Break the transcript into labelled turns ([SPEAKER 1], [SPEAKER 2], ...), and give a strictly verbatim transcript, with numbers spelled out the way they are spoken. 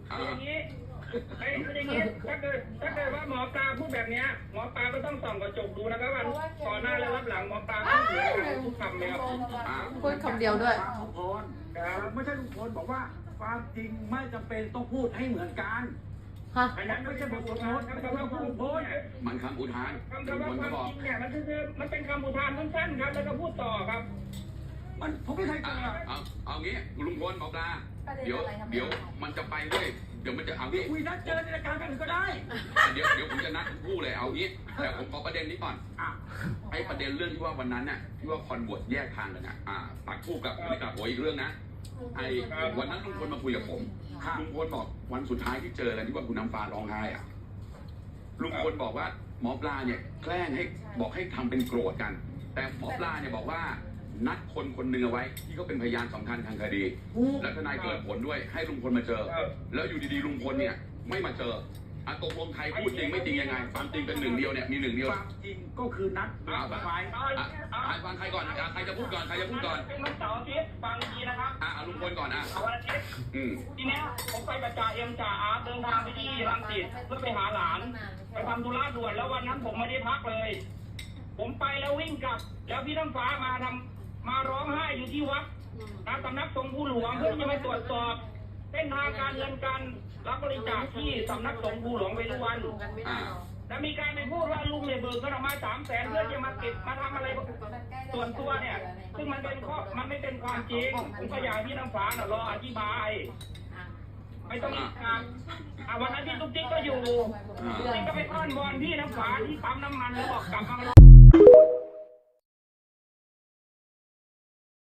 [SPEAKER 1] อย่างนี้ไอ้อย่างนี้ถ้าเกิดถ้าเกิดว่าหมอปลาพูดแบบนี้หมอปลาก็ต้องส่องกระจกดูนะครับว่าก่อนหน้าและรับหลังหมอปลาพูดเหมือนกันทุกคำเลยครับ
[SPEAKER 2] พูดคำเดียวด้วย
[SPEAKER 3] ลุงพลไม่ใช่ลุงพลบอกว่าความจริงไม่จำเป็นต้องพูดให้เหมือนกัน
[SPEAKER 2] ฮะ
[SPEAKER 1] อันนั้นไม่ใช่บทอุทานคำว่าพูดโพส
[SPEAKER 4] มันคำอุทาน
[SPEAKER 1] คำว่าความจริงเนี่ยมันคือมันเป็นคำอุทานสั้นๆครับแล้วก็พูดต่อครับ
[SPEAKER 3] มันผมไม่เคยเจ
[SPEAKER 4] เอา
[SPEAKER 3] อ
[SPEAKER 4] เอาเอางี้ลุงพลหมอปลาเดี๋ยวเดี๋ยวมันจะไปด้วยเดี๋ยวมันจะเอางี้
[SPEAKER 3] คุยนัดเจอในรายการกันก็ได้
[SPEAKER 4] เดี๋ยวเดี๋ยวผมจะนัดทั้งคู่เลยเอางี้แต่ผมขอประเด็นนี้ก่อน
[SPEAKER 3] อ่ะ
[SPEAKER 4] ไอ้ประเด็นเรื่องที่ว่าวันนั้นน่ะที่ว่าคอนบวชแยกทางกันน่ะอ่าปักคู่กับไม่กับโอยอีกเรื่องนะไอ้วันนั้นลุงพลมาคุยกับผมลุงพลบอกวันสุดท้ายที่เจอกันที่ว่าคุณน้ำฟ้าร้องไห้อ่ะลุงพลบอกว่าหมอปลาเนี่ยแกล้งให้บอกให้ทำเป็นโกรธกัน แต่หมอปลาเนี่ยบอกว่านัดคนคนหนึ่งเอาไว้ที่ก็เป็นพยานสำคัญทางคดี และทนายเกิดผลด้วยให้ลุงพลมาเจอ แล้วอยู่ดีๆลุงพลเนี่ยไม่มาเจออะตกลงใครพูดจริงไม่จริงยังไงความจริงเป็นหนึ่งเดียวเนี่ยมีหนึ่งเดียว
[SPEAKER 3] ความจริงก็คือนัด
[SPEAKER 4] อ่า
[SPEAKER 3] ไว้
[SPEAKER 4] อ่ะอ่ะฟังใครก่อนอ่ะใครจะพูดก่อนใครจะพูดก่อน
[SPEAKER 1] เป็นวันเสาร์อาทิตย์ฟังดีนะครับ
[SPEAKER 4] อ่ะเอาลุงพลก่อนอ่ะ
[SPEAKER 1] วันอาทิตย์
[SPEAKER 4] อืม
[SPEAKER 1] ทีเนี้ยผมไปกับจ่าเอ็มจ่าอาร์ตเดินทางไปที่รังสิตเพื่อไปหาหลานไปทำธุระด่วนแล้ววันนั้นผมไม่ได้พักเลย ผมไปแล้ววิ่งกลับ แล้วพี่น้ำฟ้ามาทำมาร้องไห้อยู่ที่วัดนะสำนักสงฆ์ภูหลวงเพื่อจะไปตรวจสอบเส้นทางการเงินการรับบริจาคที่สำนักสงฆ์ภูหลวงเวรุวัน
[SPEAKER 4] อ่า
[SPEAKER 1] แล้วมีการไปพูดว่าลุงเนี่ยเบิกเงินออกมาสามแสนเพื่อจะมาเก็บมาทำอะไรส่วนตัวเนี่ย ซึ่งมันเป็นข้อมันไม่เป็นความจริงผมก็อยากให้พี่น้ำฟ้าน่ะรออธิบาย ไม่ต้องอีกครับอ่ะวันนั้นพี่ตุ๊กติ๊กก็อยู่ตุ๊กติ๊กก็ไปอ้อนวอนพี่น้ำฟ้าที่ปั๊มน้ำมันแล้วบอกกลับมา